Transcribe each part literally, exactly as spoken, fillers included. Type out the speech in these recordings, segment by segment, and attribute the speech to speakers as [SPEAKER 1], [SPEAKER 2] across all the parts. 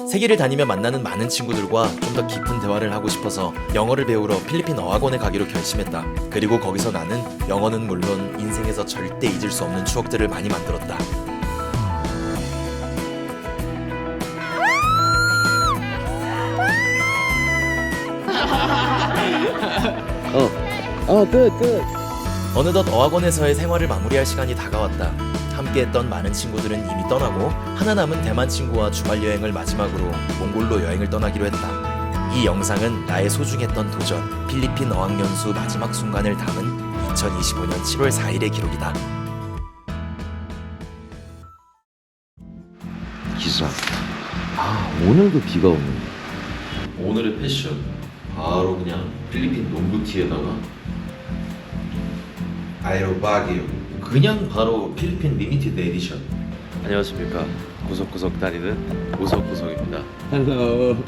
[SPEAKER 1] 세계를 다니며 만나는 많은 친구들과 좀 더 깊은 대화를 하고 싶어서 영어를 배우러 필리핀 어학원에 가기로 결심했다. 그리고 거기서 나는 영어는 물론 인생에서 절대 잊을 수 없는 추억들을 많이 만들었다.
[SPEAKER 2] 어, 어, 끝, 끝.
[SPEAKER 1] 어느덧 어학원에서의 생활을 마무리할 시간이 다가왔다. 함께했던 많은 친구들은 이미 떠나고 하나 남은 대만 친구와 주말 여행을 마지막으로 몽골로 여행을 떠나기로 했다. 이 영상은 나의 소중했던 도전, 필리핀 어학연수 마지막 순간을 담은 이천이십오년 칠월 사일의 기록이다.
[SPEAKER 2] 기사. 아, 오늘도 비가 오네.
[SPEAKER 1] 오늘의 패션 바로 그냥 필리핀 농구티에다가 아에로바기요. 그냥 바로 필리핀 리미티드 에디션.
[SPEAKER 3] 안녕하십니까. 구석구석 다니는 구석구석입니다.
[SPEAKER 2] Hello.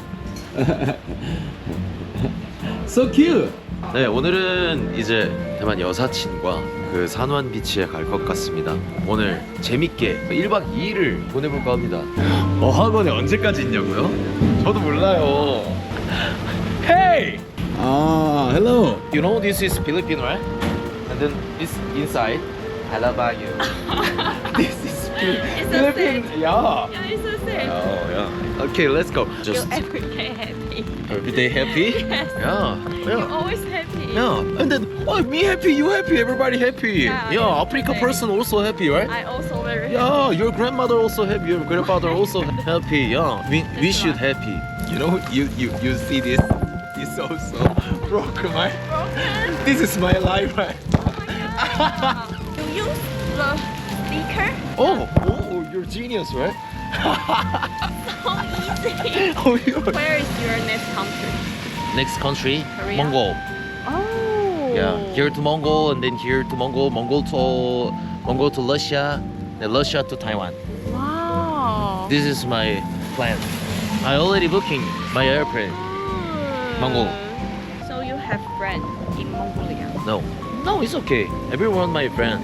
[SPEAKER 2] So cute.
[SPEAKER 3] 네, 오늘은 이제 대만 여사친과 그 산완 비치에 갈 것 같습니다. 오늘 재밌게 일박 이일을 보내볼까 합니다. 어학원에 언제까지 있냐고요? 저도 몰라요. Hey!
[SPEAKER 2] Ah, hello.
[SPEAKER 3] You know this is Philippine, right? And then this inside, I love you. This is
[SPEAKER 4] It's so
[SPEAKER 3] Philippine.
[SPEAKER 4] sad.
[SPEAKER 3] Yeah.
[SPEAKER 4] Yeah, it's so sad.
[SPEAKER 3] Oh yeah. Okay, let's go.
[SPEAKER 4] You're every day happy.
[SPEAKER 3] Every day happy?
[SPEAKER 4] Yes.
[SPEAKER 3] Yeah.
[SPEAKER 4] You're
[SPEAKER 3] Yeah.
[SPEAKER 4] always happy.
[SPEAKER 3] Yeah. And then oh, me happy, you happy, everybody happy.
[SPEAKER 4] Yeah,
[SPEAKER 3] Yeah,
[SPEAKER 4] yeah,
[SPEAKER 3] Africa
[SPEAKER 4] okay.
[SPEAKER 3] person also happy, right?
[SPEAKER 4] I also very
[SPEAKER 3] Yeah, your grandmother also happy, your grandfather also happy. Yeah. We we should happy. You know, you you you see this? It's also broken, right?
[SPEAKER 4] broken.
[SPEAKER 3] This is my life, right?
[SPEAKER 4] Oh you use the speaker
[SPEAKER 3] Oh, oh, you're genius, right?
[SPEAKER 4] so easy.
[SPEAKER 3] Oh, you
[SPEAKER 4] Where is your next country?
[SPEAKER 3] Next country,
[SPEAKER 4] Korea?
[SPEAKER 3] Mongol.
[SPEAKER 4] Oh.
[SPEAKER 3] Yeah, here to Mongol and then here to Mongol, Mongol to Mongol to Russia, then Russia to Taiwan.
[SPEAKER 4] Wow.
[SPEAKER 3] This is my plan. I already booking my airplane. Mongol.
[SPEAKER 4] So you have friends in Mongolia?
[SPEAKER 3] No, no, it's okay. Everyone my friend.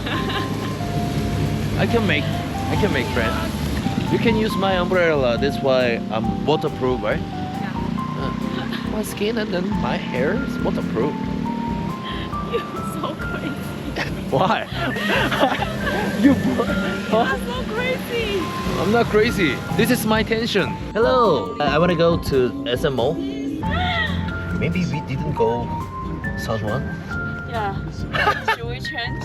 [SPEAKER 3] I can make, I can make friends. You can use my umbrella. That's why I'm waterproof, right?
[SPEAKER 4] Yeah.
[SPEAKER 3] Uh, my skin and then my hair is waterproof.
[SPEAKER 4] You're so crazy.
[SPEAKER 3] Why? you, huh?
[SPEAKER 4] You're so crazy.
[SPEAKER 3] I'm not crazy. This is my tension. Hello. I want to go to S M O. Maybe we didn't go South One.
[SPEAKER 4] Yeah. Should we change?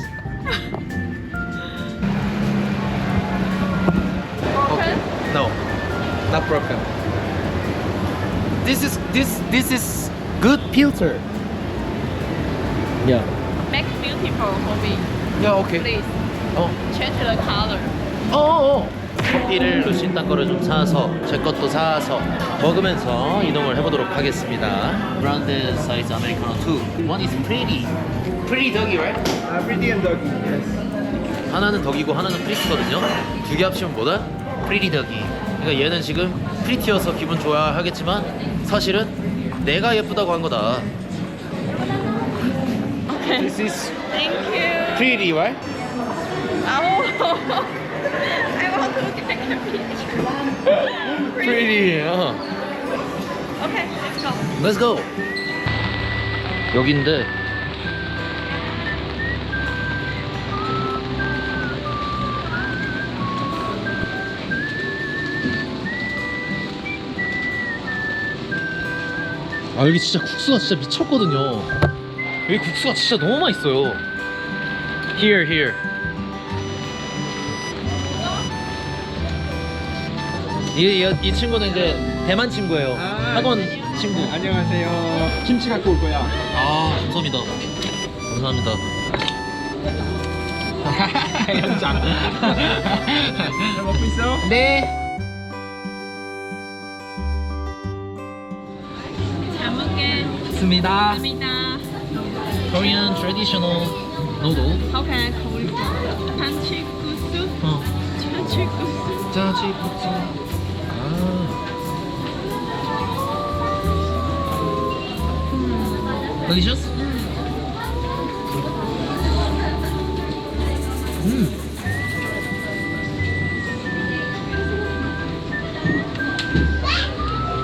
[SPEAKER 4] Broken?
[SPEAKER 3] No, not broken. This is this this is good filter. Yeah.
[SPEAKER 4] Make beautiful for me,
[SPEAKER 3] Yeah. Okay.
[SPEAKER 4] please.
[SPEAKER 3] 어.
[SPEAKER 4] Change the color.
[SPEAKER 3] 어. 커피를 루신 딴 거를 좀 사서 제 것도 사서 먹으면서 이동을 해보도록 하겠습니다. 브랜드 사이즈 아메리카노 투. One is pretty, pretty doggy, right?
[SPEAKER 5] Uh, pretty and doggy, yes.
[SPEAKER 3] 하나는 덕이고 하나는 프리티거든요. 두 개 합치면 뭐다? 프리티 덕이. 그러니까 얘는 지금 프리티여서 기분 좋아하겠지만 사실은 내가 예쁘다고 한 거다.
[SPEAKER 4] Okay.
[SPEAKER 3] This is
[SPEAKER 4] Thank you.
[SPEAKER 3] pretty, right?
[SPEAKER 4] Oh. I want to take a picture.
[SPEAKER 3] Pretty. 어.
[SPEAKER 4] Okay, let's go.
[SPEAKER 3] Let's go. 여긴데. 아 여기 진짜 국수가 진짜 미쳤거든요. 여기 국수가 진짜 너무 맛있어요. Here, here. 이, 이, 이 친구는 이제 대만 친구예요.
[SPEAKER 5] 아,
[SPEAKER 3] 학원 친구.
[SPEAKER 5] 안녕하세요. 김치 갖고 올 거야.
[SPEAKER 3] 아, 감사합니다. 감사합니다.
[SPEAKER 5] 연장. 잘 먹고 있어?
[SPEAKER 3] 네.
[SPEAKER 4] 잘
[SPEAKER 5] 습니다.
[SPEAKER 4] 먹겠습니다.
[SPEAKER 3] Korean traditional noodle.
[SPEAKER 4] How can I call it? 잔치국수?
[SPEAKER 3] 어.
[SPEAKER 4] 잔치국수.
[SPEAKER 3] 짜지국수. 아. Delicious? 음.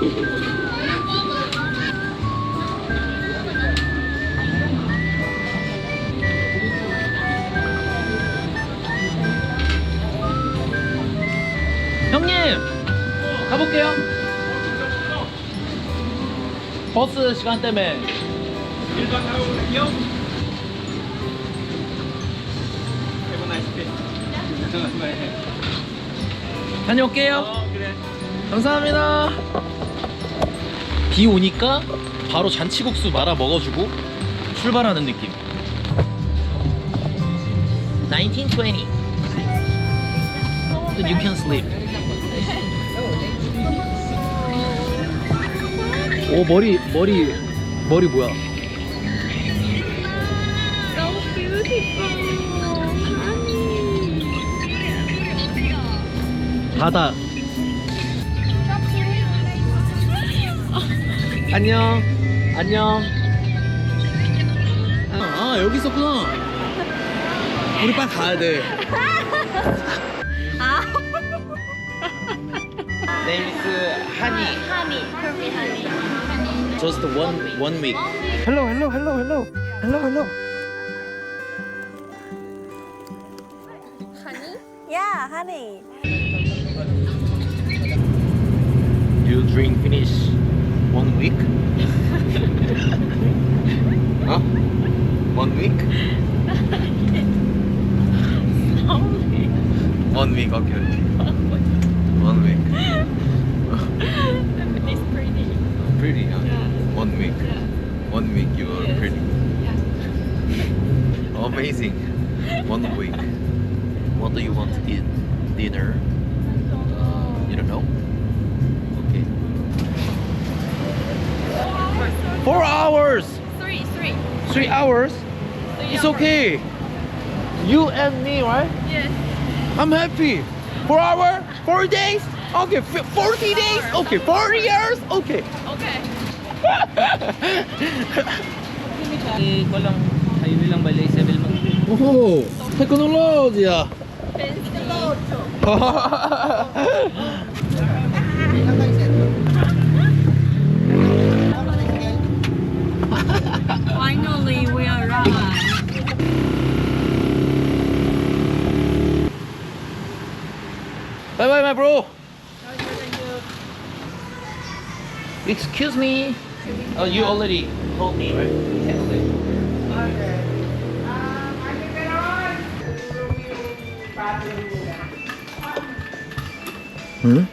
[SPEAKER 5] 형님 가볼게요. 버스 시간 때문에. 다녀올게요. 감사합니다. 비 오니까 바로 잔치국수 말아 먹어주고 출발하는 느낌. nineteen twenty. Then you can sleep. 오 머리 머리 머리 뭐야?
[SPEAKER 4] So beautiful.
[SPEAKER 5] 바다. 안녕. 안녕. 아, 아 여기 있었구나. 우리 빨리 가야 돼. Name is Honey.
[SPEAKER 4] Honey, perfect honey.
[SPEAKER 5] Just one one week. Hello, hello, hello, hello, hello, hello.
[SPEAKER 4] Honey? Yeah, honey.
[SPEAKER 5] You drink finish one week? huh? One week? One week, okay. One week.
[SPEAKER 4] It's pretty.
[SPEAKER 5] Pretty, huh?
[SPEAKER 4] Yeah.
[SPEAKER 5] One week.
[SPEAKER 4] Yeah.
[SPEAKER 5] One week you are
[SPEAKER 4] Yes.
[SPEAKER 5] pretty.
[SPEAKER 4] Yeah.
[SPEAKER 5] Amazing. One week. What do you want to eat? Dinner?
[SPEAKER 4] Don't know.
[SPEAKER 5] You don't know? Okay. Four hours!
[SPEAKER 4] Three, three.
[SPEAKER 5] Three hours?
[SPEAKER 4] Three
[SPEAKER 5] It's
[SPEAKER 4] hours.
[SPEAKER 5] okay. You and me, right?
[SPEAKER 4] Yes.
[SPEAKER 5] I'm happy. Four hours? Four days? Okay. f- Forty days? Okay. Forty years? Okay.
[SPEAKER 4] Okay.
[SPEAKER 6] ko lang, highway lang bali sa Belmont.
[SPEAKER 5] 오, 테크놀로지야.
[SPEAKER 4] Finally, we arrived.
[SPEAKER 5] Bye bye, my bro. Excuse me. Oh, you already told me, right? Okay. Hmm?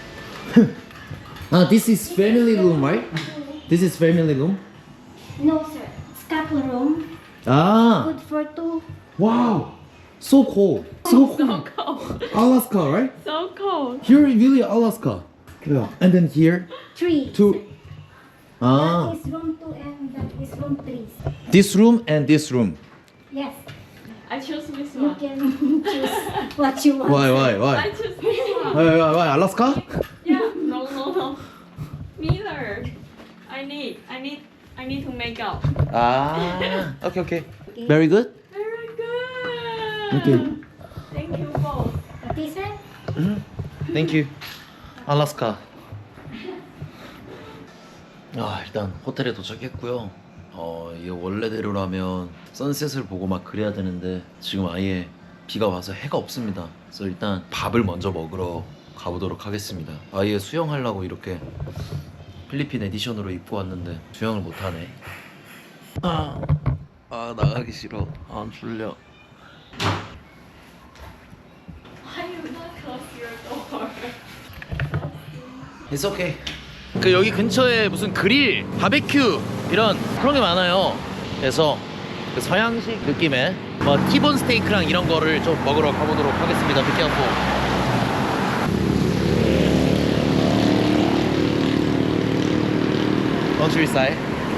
[SPEAKER 5] Ah, this is family room, right? This is family room.
[SPEAKER 7] No, sir. It's couple room.
[SPEAKER 5] Ah,
[SPEAKER 7] Good for two.
[SPEAKER 5] wow, so cold. So
[SPEAKER 4] So
[SPEAKER 5] cold.
[SPEAKER 4] cold.
[SPEAKER 5] Alaska, right?
[SPEAKER 4] So cold.
[SPEAKER 5] Here, really Alaska. Yeah. And then here,
[SPEAKER 7] Three.
[SPEAKER 5] two.
[SPEAKER 7] sir.
[SPEAKER 5] Ah,
[SPEAKER 7] That is room two and that is room three.
[SPEAKER 5] this room and this room.
[SPEAKER 7] Yes.
[SPEAKER 4] I choose this
[SPEAKER 7] You
[SPEAKER 4] one.
[SPEAKER 7] can choose what you want.
[SPEAKER 5] Why, why,
[SPEAKER 4] I
[SPEAKER 5] why?
[SPEAKER 4] choose this one.
[SPEAKER 5] Why, why, why? Alaska?
[SPEAKER 4] Yeah. No, no, no. Neither. I need. I need. I need to make out.
[SPEAKER 5] Ah, okay, okay. Very good.
[SPEAKER 4] Very good.
[SPEAKER 5] Okay.
[SPEAKER 4] Thank you both.
[SPEAKER 7] Okay, sir?
[SPEAKER 5] Thank you. 알라스카. 아, 일단 호텔에 도착했고요. 어, 이게 원래대로라면 선셋을 보고 막 그래야 되는데 지금 아예 비가 와서 해가 없습니다. 그래서 일단 밥을 먼저 먹으러 가보도록 하겠습니다. 아예 수영하려고 이렇게 필리핀 에디션으로 입고 왔는데 수영을 못하네. 아, 아 나가기 싫어. 안 졸려.
[SPEAKER 4] Why you not close your door?
[SPEAKER 5] It's okay. 그 여기 근처에 무슨 그릴, 바베큐 이런 그런 게 많아요. 그래서 그 서양식 느낌의 뭐 티본 스테이크랑 이런 거를 좀 먹으러 가보도록 하겠습니다. Be careful. Countryside.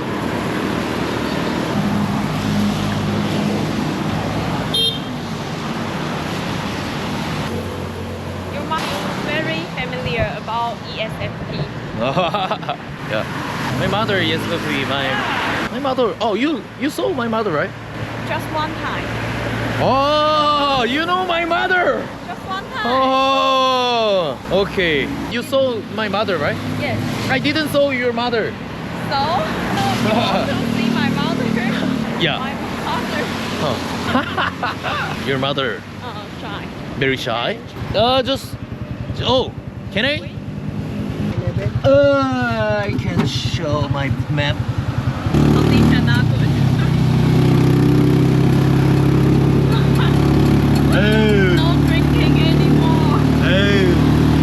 [SPEAKER 4] Your mom is very familiar about E S F P.
[SPEAKER 5] Yeah. My mother is with me. My my mother. Oh, you you saw my mother, right?
[SPEAKER 4] Just one time.
[SPEAKER 5] Oh, you know my mother.
[SPEAKER 4] Just one time.
[SPEAKER 3] Oh, okay. You saw my mother, right?
[SPEAKER 4] Yes.
[SPEAKER 3] I didn't saw your mother.
[SPEAKER 4] So, you want to see my mother?
[SPEAKER 3] Yeah.
[SPEAKER 4] My mother.
[SPEAKER 3] Oh. Your mother,
[SPEAKER 4] Uh, shy.
[SPEAKER 3] very shy. Uh, just. Oh, can I? Uh, I can show my map.
[SPEAKER 4] Something cannot good.
[SPEAKER 3] Oh,
[SPEAKER 4] No drinking anymore.
[SPEAKER 3] oh.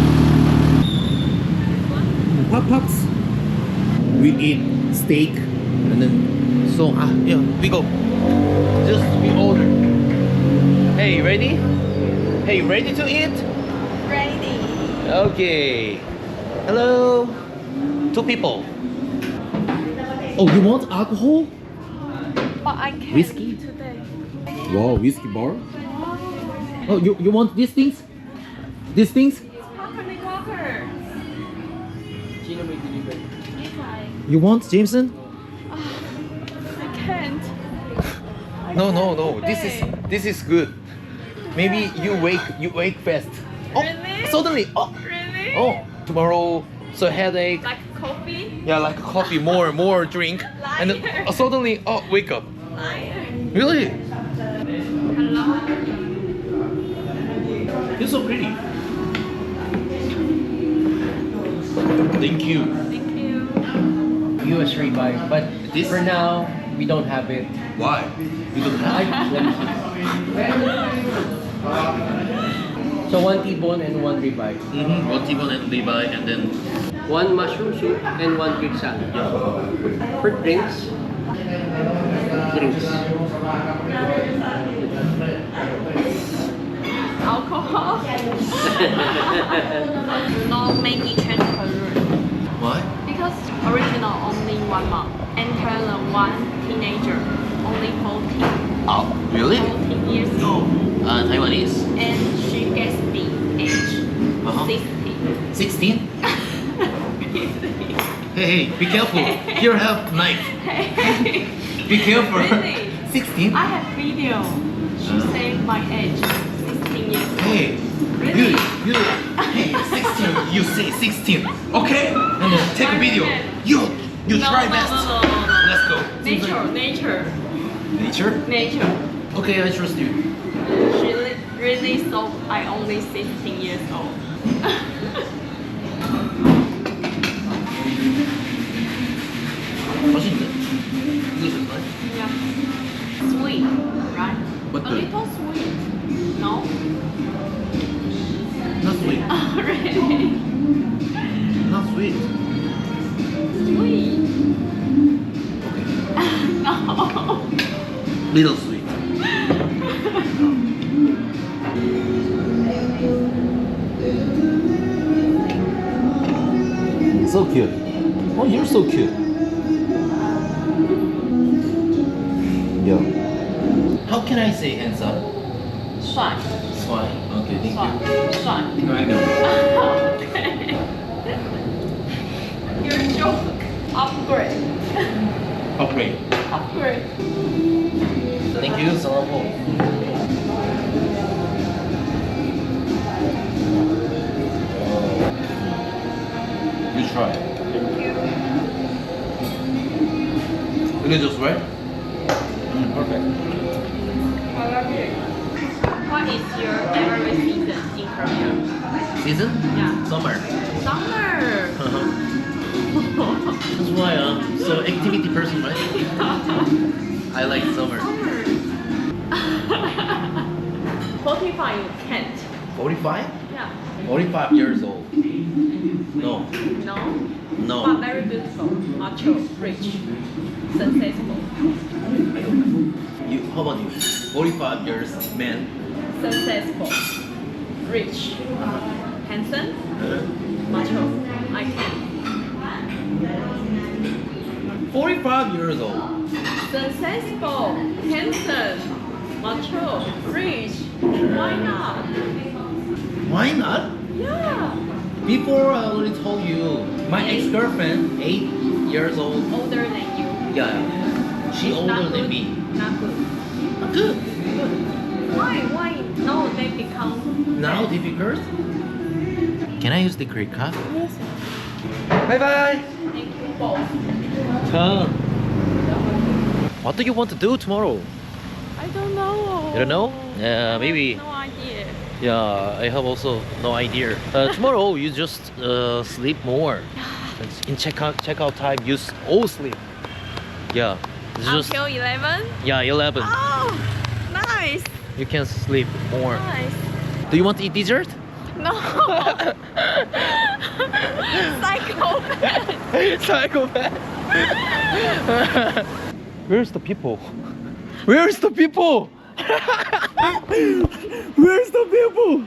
[SPEAKER 1] Hot pots. We eat steak and then so ah yeah we go.
[SPEAKER 3] Just we order. Hey, ready? Hey, ready to eat?
[SPEAKER 4] Ready.
[SPEAKER 3] Okay. Hello. Two people.
[SPEAKER 1] Oh, you want alcohol?
[SPEAKER 4] But I can't
[SPEAKER 1] Whiskey?
[SPEAKER 4] today.
[SPEAKER 1] Wow, whiskey bar. Oh, you you want these things? These things?
[SPEAKER 4] Cocker, cocker.
[SPEAKER 1] You want Jameson?
[SPEAKER 4] I can't. I
[SPEAKER 3] No, no,
[SPEAKER 4] can't
[SPEAKER 3] no. This is
[SPEAKER 4] today.
[SPEAKER 3] this is good. Maybe you wake you wake fast. Oh,
[SPEAKER 4] Really?
[SPEAKER 3] suddenly. Oh,
[SPEAKER 4] Really?
[SPEAKER 3] oh. Tomorrow, so headache.
[SPEAKER 4] Like coffee?
[SPEAKER 3] Yeah, like coffee, more, more drink, and then,
[SPEAKER 4] Liar.
[SPEAKER 3] uh, suddenly, oh, wake up.
[SPEAKER 4] Liar.
[SPEAKER 3] Really?
[SPEAKER 4] Hello.
[SPEAKER 3] You're so pretty. Thank you.
[SPEAKER 4] Thank you.
[SPEAKER 6] U S ribeye, but
[SPEAKER 3] This-
[SPEAKER 6] for now we don't have it.
[SPEAKER 3] Why? You don't
[SPEAKER 6] I,
[SPEAKER 3] have.
[SPEAKER 6] let me see. So one T-bone and one ribeye.
[SPEAKER 3] Mm-hmm. One T-bone and Levi, and then
[SPEAKER 6] One mushroom soup and one Greek salad. For drinks, drinks.
[SPEAKER 4] Alcohol? No many change career.
[SPEAKER 3] why?
[SPEAKER 4] Because original only one month. Enter the one teenager. Only fourteen.
[SPEAKER 3] Oh, really?
[SPEAKER 4] fourteen years old.
[SPEAKER 3] Uh, Taiwanese.
[SPEAKER 4] And she gets the age
[SPEAKER 3] Uh-huh.
[SPEAKER 4] sixty.
[SPEAKER 3] Sixteen. Hey, hey, be careful. Here have knife. Be careful.
[SPEAKER 4] Really?
[SPEAKER 3] Sixteen.
[SPEAKER 4] I have video. She
[SPEAKER 3] Uh.
[SPEAKER 4] said my age sixteen years old.
[SPEAKER 3] Hey,
[SPEAKER 4] Really?
[SPEAKER 3] you, you, hey, sixteen. You say sixteen. Okay. And then take a video. You, you
[SPEAKER 4] No,
[SPEAKER 3] try
[SPEAKER 4] no,
[SPEAKER 3] best.
[SPEAKER 4] no, no, no, no.
[SPEAKER 3] Let's go.
[SPEAKER 4] Nature, nature,
[SPEAKER 3] Nature.
[SPEAKER 4] nature.
[SPEAKER 3] Okay, I trust you.
[SPEAKER 4] She li- really thought I only sixteen years old.
[SPEAKER 3] 맛있네. This is nice.
[SPEAKER 4] Yeah. Sweet, right?
[SPEAKER 3] But
[SPEAKER 4] A
[SPEAKER 3] the-
[SPEAKER 4] little sweet. No?
[SPEAKER 3] Not sweet.
[SPEAKER 4] Really?
[SPEAKER 3] Not sweet.
[SPEAKER 4] Sweet.
[SPEAKER 3] Okay.
[SPEAKER 4] No.
[SPEAKER 3] Little sweet. So cute. Oh, you're so cute. Yeah. How can I say handsome?
[SPEAKER 4] 帅，
[SPEAKER 3] Swai. Okay, thank
[SPEAKER 4] 帅
[SPEAKER 3] you.
[SPEAKER 4] 帅。
[SPEAKER 3] No, I know.
[SPEAKER 4] Okay. Your joke. Upgrade.
[SPEAKER 3] Upgrade.
[SPEAKER 4] Upgrade.
[SPEAKER 3] Thank you, Salamo. You try.
[SPEAKER 4] Thank you.
[SPEAKER 3] Is it just right? Mm, perfect.
[SPEAKER 4] I love you. What is your favorite season in Korea?
[SPEAKER 3] Season?
[SPEAKER 4] Yeah.
[SPEAKER 3] Summer.
[SPEAKER 4] Summer.
[SPEAKER 3] That's why I'm so activity person, right? I like summer.
[SPEAKER 4] Summer. Forty-five you can't.
[SPEAKER 3] forty-five?
[SPEAKER 4] Yeah.
[SPEAKER 3] forty-five years old. No.
[SPEAKER 4] No.
[SPEAKER 3] No.
[SPEAKER 4] But very beautiful, macho, rich, successful,
[SPEAKER 3] I don't know. You, how about you? forty-five years man.
[SPEAKER 4] successful, rich, handsome, macho. I can.
[SPEAKER 3] forty-five years old.
[SPEAKER 4] Successful, handsome, mature, rich. Why not?
[SPEAKER 3] Why not?
[SPEAKER 4] Yeah.
[SPEAKER 3] Before I already told you, my ex-girlfriend, eight years old.
[SPEAKER 4] Older than you.
[SPEAKER 3] Yeah, she older
[SPEAKER 4] Not
[SPEAKER 3] than
[SPEAKER 4] good.
[SPEAKER 3] me.
[SPEAKER 4] Not good.
[SPEAKER 3] Not good.
[SPEAKER 4] Good. Why? Why? No, they become.
[SPEAKER 5] Now difficult? Can I use the credit card?
[SPEAKER 4] Yes.
[SPEAKER 5] Bye bye.
[SPEAKER 4] Thank you both.
[SPEAKER 3] What do you want to do tomorrow?
[SPEAKER 4] I don't know.
[SPEAKER 3] You don't know? Yeah, maybe.
[SPEAKER 4] No idea.
[SPEAKER 3] Yeah, I have also no idea. Uh, tomorrow you just uh, sleep more. In checkout checkout time, you s- all sleep. Yeah, it's just
[SPEAKER 4] Until eleven.
[SPEAKER 3] yeah eleven.
[SPEAKER 4] Oh, nice,
[SPEAKER 3] You can sleep more.
[SPEAKER 4] nice.
[SPEAKER 3] Do you want to eat dessert?
[SPEAKER 4] No. Psychopath.
[SPEAKER 3] Psychopath. Where's the people? Where's the people? Where's the people?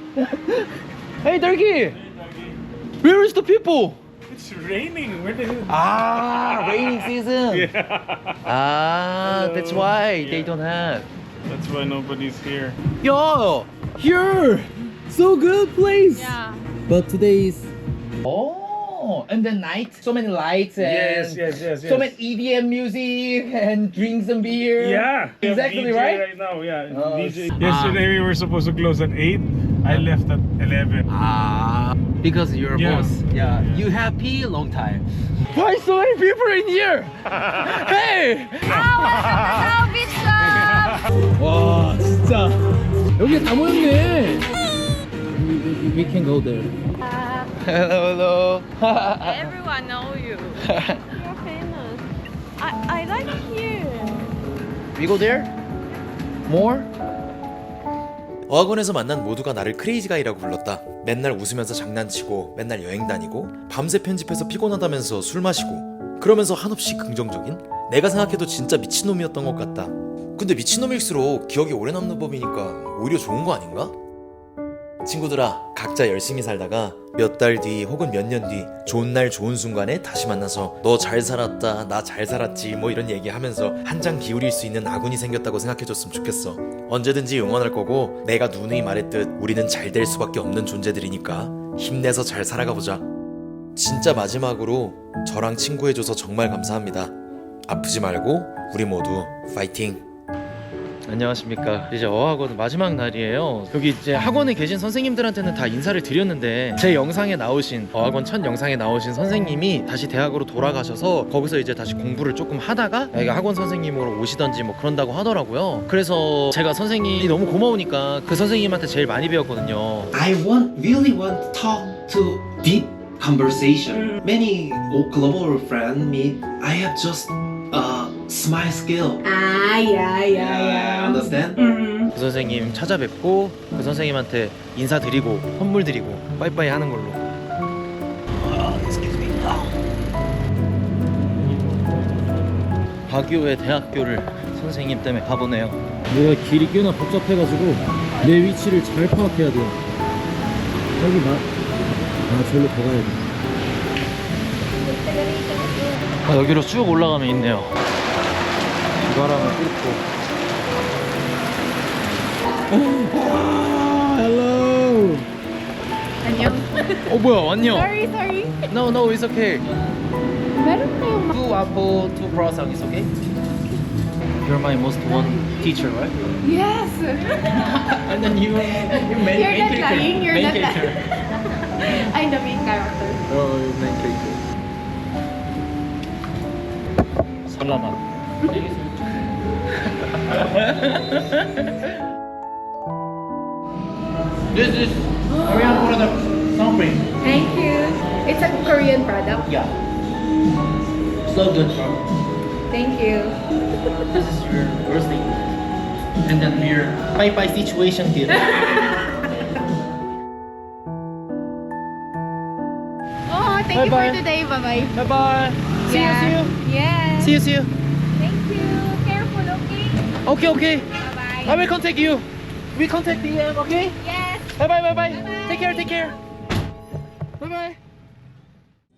[SPEAKER 3] Hey, Turkey. Where is the people?
[SPEAKER 8] It's raining. Where the hell?
[SPEAKER 3] Ah, raining season.
[SPEAKER 8] Yeah.
[SPEAKER 3] Ah, that's why they don't have.
[SPEAKER 8] That's why nobody's here.
[SPEAKER 3] Yo, here, so good place.
[SPEAKER 4] Yeah.
[SPEAKER 3] But today is oh, and the night, so many lights and
[SPEAKER 8] Yes, yes, yes, yes.
[SPEAKER 3] so many E D M music and drinks and beer.
[SPEAKER 8] Yeah. We have
[SPEAKER 3] Exactly
[SPEAKER 8] D J
[SPEAKER 3] right?
[SPEAKER 8] right now, yeah.
[SPEAKER 3] Oh,
[SPEAKER 8] D J.
[SPEAKER 3] s-
[SPEAKER 8] Yesterday we were supposed to close at eight. I left at eleven.
[SPEAKER 3] Ah, because you're
[SPEAKER 8] Yeah.
[SPEAKER 3] boss. Yeah.
[SPEAKER 8] Yeah.
[SPEAKER 3] You happy long time. Why so many people in here? Hey!
[SPEAKER 4] Hello, Bishop.
[SPEAKER 3] 와 진짜 여기 다 모였네. We, we, we can go there. Hello, hello.
[SPEAKER 4] Everyone know you. You're famous. I I like here.
[SPEAKER 3] We go there? More?
[SPEAKER 1] 어학원에서 만난 모두가 나를 크레이지가이라고 불렀다. 맨날 웃으면서 장난치고 맨날 여행 다니고 밤새 편집해서 피곤하다면서 술 마시고 그러면서 한없이 긍정적인? 내가 생각해도 진짜 미친놈이었던 것 같다. 근데 미친놈일수록 기억이 오래 남는 법이니까 오히려 좋은 거 아닌가? 친구들아, 각자 열심히 살다가 몇 달 뒤 혹은 몇 년 뒤 좋은 날 좋은 순간에 다시 만나서 너 잘 살았다, 나 잘 살았지 뭐 이런 얘기하면서 한장 기울일 수 있는 아군이 생겼다고 생각해줬으면 좋겠어. 언제든지 응원할 거고 내가 누누이 말했듯 우리는 잘 될 수밖에 없는 존재들이니까 힘내서 잘 살아가보자. 진짜 마지막으로 저랑 친구해줘서 정말 감사합니다. 아프지 말고 우리 모두 파이팅!
[SPEAKER 3] 안녕하십니까. 이제 어학원 마지막 날이에요. 여기 이제 학원에 계신 선생님들한테는 다 인사를 드렸는데 제 영상에 나오신 어학원 첫 영상에 나오신 선생님이 다시 대학으로 돌아가셔서 거기서 이제 다시 공부를 조금 하다가 여기 학원 선생님으로 오시던지 뭐 그런다고 하더라고요. 그래서 제가 선생님이 너무 고마우니까 그 선생님한테 제일 많이 배웠거든요.
[SPEAKER 5] I want really want to talk to deep conversation. Many global friends meet. I have just a smile skill.
[SPEAKER 7] Ah, yeah, yeah, yeah.
[SPEAKER 5] Understand?
[SPEAKER 3] 그 선생님 찾아뵙고 그 선생님한테 인사드리고 선물 드리고 빠이빠이 하는 걸로. 바교의 대학교를 선생님 때문에 가보네요. 내가 길이 꽤나 복잡해가지고 내 위치를 잘 파악해야 돼요. 여기 마... 아 저기로 더 가야 돼. 아, 여기로 쭉 올라가면 있네요. 이거랑은 뚫고. Hello.
[SPEAKER 4] 안녕.
[SPEAKER 3] 어 뭐야 안녕.
[SPEAKER 4] Sorry, sorry.
[SPEAKER 3] No no it's okay.
[SPEAKER 4] meron kayong
[SPEAKER 3] Two apple, two croissant is okay. You're my most one teacher, right?
[SPEAKER 4] Yes.
[SPEAKER 3] And then you, you main,
[SPEAKER 4] You're
[SPEAKER 3] main
[SPEAKER 4] not
[SPEAKER 3] character.
[SPEAKER 4] lying, you're
[SPEAKER 3] main
[SPEAKER 4] not
[SPEAKER 3] character.
[SPEAKER 4] I'm the main character.
[SPEAKER 3] Oh, main character. Salamat. This is Korean product, something.
[SPEAKER 4] Thank you. It's a Korean product.
[SPEAKER 3] Yeah. So good.
[SPEAKER 4] Thank you.
[SPEAKER 3] This is your birthday. And then your bye bye situation here.
[SPEAKER 4] Oh, thank you
[SPEAKER 3] Bye-bye.
[SPEAKER 4] for today. Bye bye.
[SPEAKER 3] Bye bye. See
[SPEAKER 4] Yeah.
[SPEAKER 3] you,
[SPEAKER 4] Yes.
[SPEAKER 3] see you. See you, see you.
[SPEAKER 4] Thank you. Careful, okay?
[SPEAKER 3] Okay, okay.
[SPEAKER 4] Bye bye.
[SPEAKER 3] I will contact you. We contact D M, okay?
[SPEAKER 4] Yes.
[SPEAKER 3] Bye bye, bye bye.
[SPEAKER 4] Bye-bye.
[SPEAKER 3] Take care, take care. Bye bye.